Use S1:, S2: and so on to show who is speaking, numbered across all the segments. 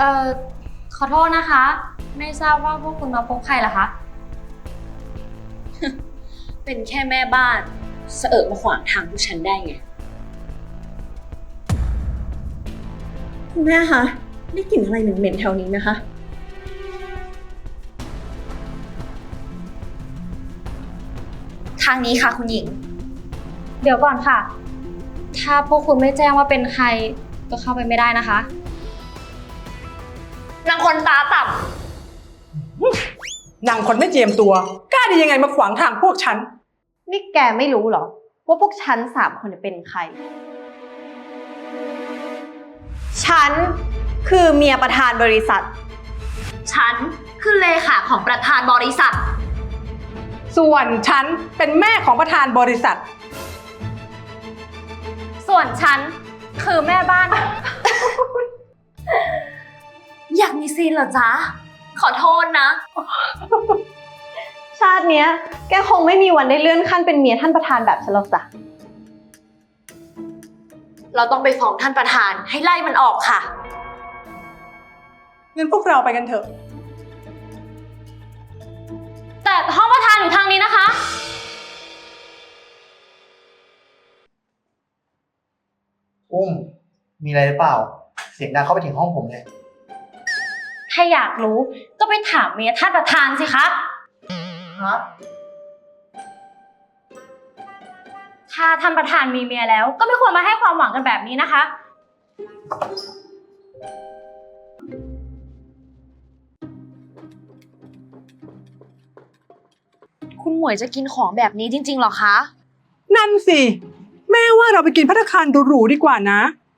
S1: อขอโทษนะคะ ไม่ทราบว่าพวกคุณมาพบใครเหรอคะ
S2: เป็นแค่แม่บ้านเสอะมาขวางทางพวกฉันได้ไง
S3: คุณแม่คะได้กลิ่นอะไรเหม็นๆแถวนี้ไหมคะ
S2: ทางนี้ค่ะคุณหญิง
S1: เดี๋ยวก่อนค่ะ ถ้าพวกคุณไม่แจ้งว่าเป็นใครก็เข้าไปไม่ได้นะคะ
S2: นางคนตาต่
S4: นางคนไม่เจียมตัวกล้าได้ยังไงมาขวางทางพวกฉัน
S3: นี่แกไม่รู้เหรอว่าพวกฉัน3 คนเป็นใคร ฉันคือเมียประธานบริษัท
S2: ำฉันคือเลขาของประธานบริษัท
S4: ส่วนฉันเป็นแม่ของประธานบริษัท
S1: ส่วนฉันคือแม่บ้าน
S2: อยากมีซีนเหรอจ๊ะ ขอโทษนะ
S3: ชาติเนี้ยแกคงไม่มีวันได้เลื่อนขั้นเป็นเมียท่านประธานแบบฉันหรอกจ้ะ
S2: เราต้องไปฟ้องท่านประธานให้ไล่มันออกค่ะ
S4: งั้นพวกเราไปกันเถอะ
S1: แต่ห้องประธานอยู่ทางนี้นะคะ
S5: อุ้มมีอะไรหรือเปล่า เสียงดังเข้าไปถึงห้องผมเลย
S1: ถ้าอยากรู้ก็ไปถามเมียท่านประธานสิคะ
S5: ฮะ
S1: ถ้าท่านประธานมีเมียแล้วก็ไม่ควรมาให้ความหวังกันแบบนี้นะคะ
S2: คุณหมวยจะกินของแบบนี้จริงๆหรอคะ
S4: นั่นสิ แม่ว่าเราไปกินภัตตาคารหรูๆดีกว่านะ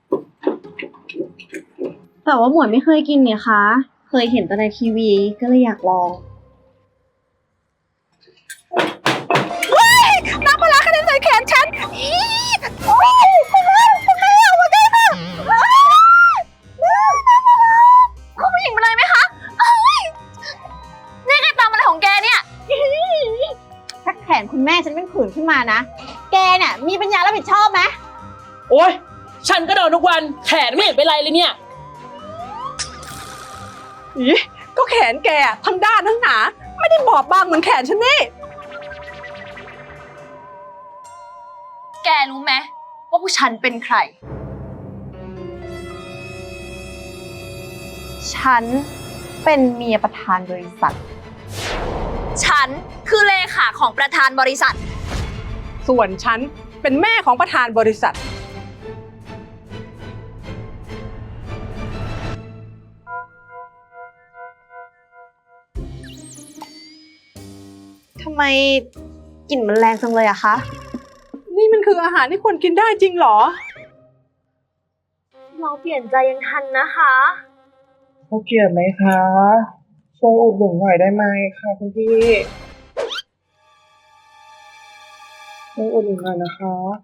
S3: แต่ว่าหมวยไม่เคยกินเนี่ยคะ เคยเห็นแต่ในทีวีก็เลยอยากลอง
S4: น้ำปลาร้ากระเด็นใส่แขนฉัน
S2: คุณผู้หญิงเป็นไรไหมคะนี่แกตามอะไรของแกเนี่ย
S3: ถ้าแขนคุณแม่ฉันเป็นผื่นขึ้นมานะ แกเนี่ยมีปัญญารับผิดชอบไหม
S6: โอ๊ย ฉันก็โดนทุกวัน แขนไม่เห็นเป็นไรเลยเนี่ย
S4: อีก็แขนแกอะทั้งด้านทั้งหนา ไม่ได้บอบบางเหมือนแขนฉันนี่
S2: แกรู้ไหมว่าผู้ฉันเป็นใคร
S3: ฉันเป็นเมียประธานบริษัท
S2: ฉันคือเลขาของประธานบริษัท
S4: ส่วนฉันเป็นแม่ของประธานบริษัท
S3: ทำไมกลิ่นมันแรงจังเลยอะคะ
S4: นี่มันคืออาหารที่ควรกินได้จริงเหรอ
S2: เราเปลี่ยนใจยังทันนะคะ
S5: เขาเกลียดไหมคะช่วยอุดหนุนหน่อยได้ไหมคะคุณพี่ช่วยอุดหนุนหน่อยนะคะ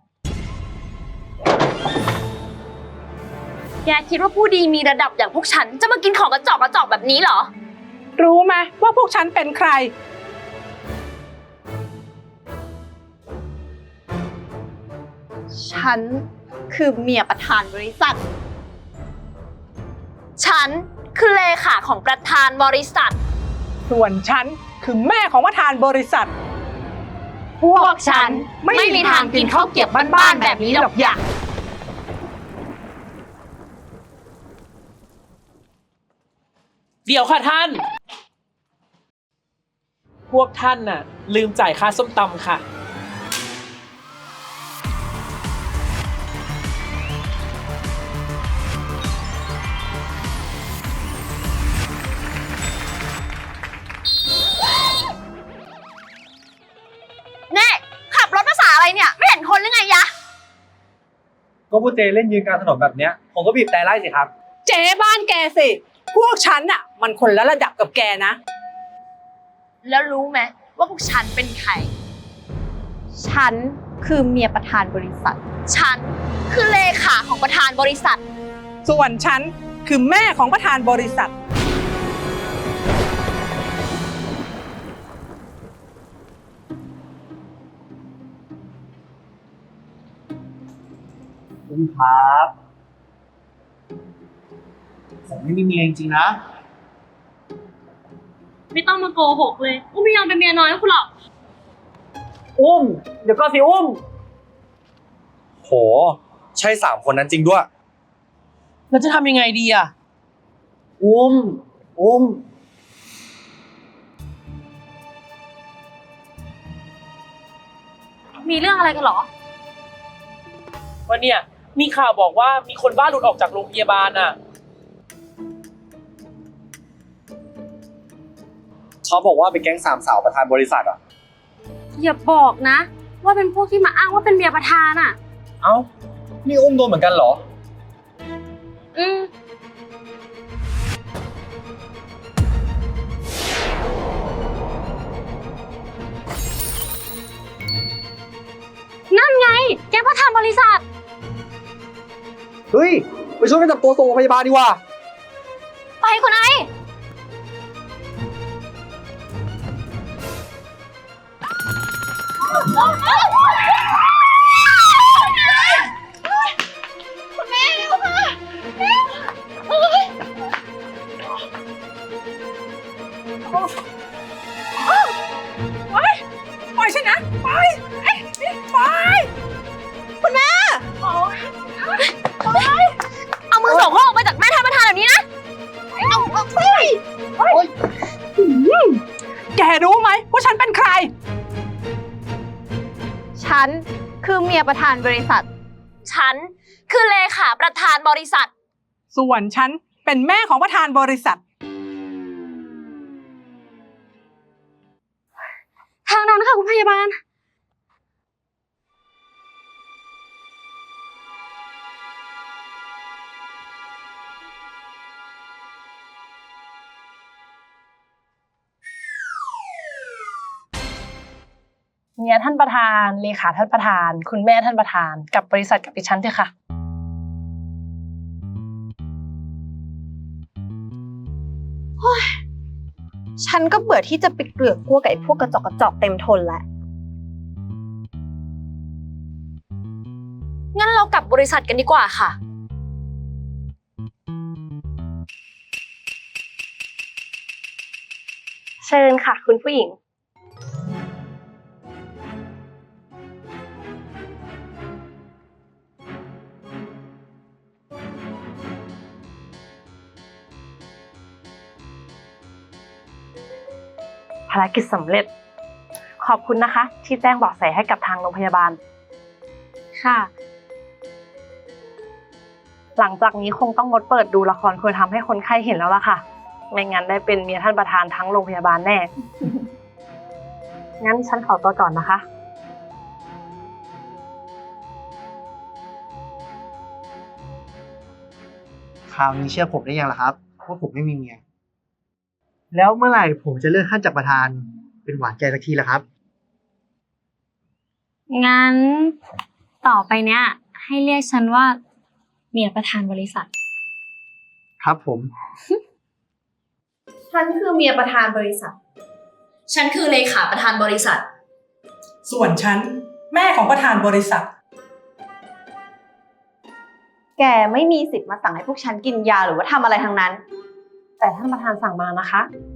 S2: แกคิดว่าผู้ดีมีระดับอย่างพวกฉันจะมากินของกระจอกแบบนี้เหรอ
S4: รู้ไหมว่าพวกฉันเป็นใคร
S3: ฉันคือเมียประธานบริษัท
S2: ฉันคือเลขาของประธานบริษัท
S4: ส่วนฉันคือแม่ของประธานบริษัท
S2: พวกฉันไม่มีทางกินข้าวเกรี๊ยวบ้านๆแบบนี้หรอกอย่า
S6: เดี๋ยวค่ะท่าน พวกท่านน่ะ ลืมจ่ายค่าส้มตำค่ะ
S2: แน่ขับรถภาษาอะไรเนี่ย ไม่เห็นคนหรือไงยะ
S5: ก็พูดเจเล่นยืนกลางถนนแบบเนี้ยผมก็บีบแต่ไล่สิครับ
S4: เจ๊บ้านแกสิ พวกฉันอะมันคนละระดับกับแกนะ
S2: แล้วรู้ไหมว่าพวกฉันเป็นใคร
S3: ฉันคือเมียประธานบริษัท
S2: ฉันคือเลขาของประธานบริษัท
S4: ส่วนฉันคือแม่ของประธานบริษัท
S5: คุณครับ ผมไม่มีเมียจริงๆนะ
S1: ไม่ต้องมาโกหกเลยอุ้มไม่ยอมเป็นเมียน้อยให้คุณหรอก
S6: อุ้ม เดี๋ยวก็สิอุ้ม
S7: โห ใช่3 คนนั้นจริงด้วย
S6: แล้วจะทำยังไงดีอ่ะ อุ้ม
S1: มีเรื่องอะไรกันเหรอ
S6: วันเนี่ยมีข่าวบอกว่ามีคนบ้าหลุดออกจากโรงพยาบาลอ่ะ
S7: เขาบอกว่าเป็นแก๊ง3 สาวประธานบริษัทอ่ะ
S1: อย่าบอกนะ ว่าเป็นพวกที่มาอ้างว่าเป็นเมียประธานอ่ะ
S7: เอ้า นี่อุ้มโดนเหมือนกันเหรอ
S1: อืมนั่นไง แกประธานบริษัท
S7: เฮ้ย ไปช่วยไปจับตัวส่งโรงพยาบาลดีกว่า
S1: ไปคุณไอ
S4: ปล่อยฉันนะไปไป
S2: เอามือสองข้อออกไปจากแม่ท่านประธานแบบนี้นะ
S4: แกรู้ไหมว่าฉันเป็นใคร
S3: ฉันคือเมียประธานบริษัท
S2: ฉันคือเลขาประธานบริษัท
S4: ส่วนฉันเป็นแม่ของประธานบริษัท
S1: ทางนั้นค่ะคุณพยาบาล
S8: เมียท่านประธานเลขาท่านประธาน คุณแม่ท่านประธานกับบริษัทกับดิฉันเถอะค่ะ
S3: ฉันก็เบื่อที่จะไปเกลือกกลัวกับไอ้พวกกระจอกเต็มทนแล้ว
S2: งั้นเรากลับบริษัทกันดีกว่าค่ะ
S8: เชิญค่ะ คุณผู้หญิง ภารกิจสำเร็จ ขอบคุณนะคะ ที่แจ้งเบาะแสให้กับทางโรงพยาบาล
S1: ค่ะ
S8: หลังจากนี้คงต้องงดเปิดดูละครควรทำให้คนไข้เห็นแล้วล่ะค่ะ ไม่งั้นได้เป็นเมียท่านประธานทั้งโรงพยาบาลแน่ งั้นฉันขอตัวก่อนนะคะ
S5: คราวนี้เชื่อผมได้ยังล่ะครับว่าผมไม่มีเมีย แล้วเมื่อไหร่ผมจะเลื่อนขั้นจากประธานเป็นหวานใจสักทีล่ะครับ
S1: งั้นต่อไปเนี้ย ให้เรียกฉันว่าเมียประธานบริษัท
S5: ครับผม
S3: ฉันคือเมียประธานบริษัท
S2: ฉันคือเลขาประธานบริษัท
S4: ส่วนฉันแม่ของประธานบริษัท
S3: แกไม่มีสิทธิ์มาสั่งให้พวกฉันกินยาหรือว่าทำอะไรทั้งนั้น
S8: แต่ท่านประธานสั่งมานะคะ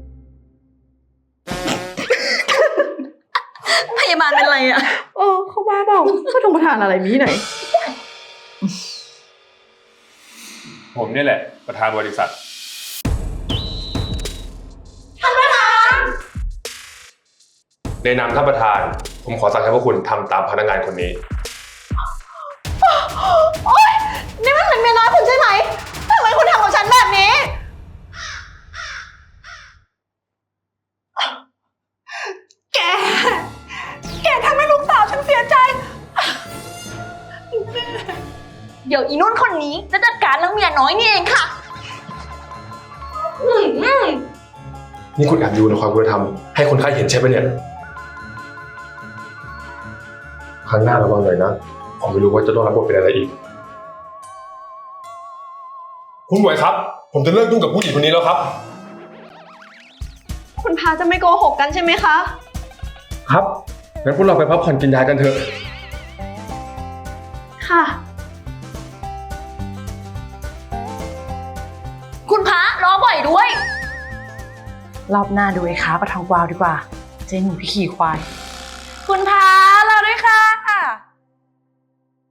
S2: พยาบาลเป็นไรอะ
S3: เขาบ้าเปล่าก็ทงประธานอะไรมีไหน
S9: ผมนี่แหละประธานบริษัท ในนามท่านประธาน ผมขอสั่งให้พวกคุณทำตามพนักงานคนนี้
S3: นี่มันเป็นเมียน้อยคุณใช่ไหมทำไมคุณทำกับฉันแบบนี้
S4: แกทำให้ลูกสาวฉันเสียใจ
S2: เดี๋ยวอีนุ่นคนนี้จะจัดการเรื่องเมียน้อยนี่เองค่ะ
S9: นี่คุณแอบดูในความคุณธรรมให้คนไข้เห็นใช่ไหมเนี่ย ครั้งหน้าระวังหน่อยนะ ผมไม่รู้ว่าจะต้องรับบทเป็นอะไรอีก คุณหมวยครับ ผมจะเลิกยุ่งกับผู้หญิงคนนี้แล้วครับ
S3: คุณพาจะไม่โกหกกันใช่ไหมคะ
S9: ครับ งั้นพวกเราไปพักผ่อนกินยากันเถอะ
S3: ค่ะ
S2: คุณพาล้อบ่อยด้วย
S8: รอบหน้าดูไอ้ค้าประทองกวาวดีกว่า เจ๊หนีพี่ขี่ควาย
S2: คุณพา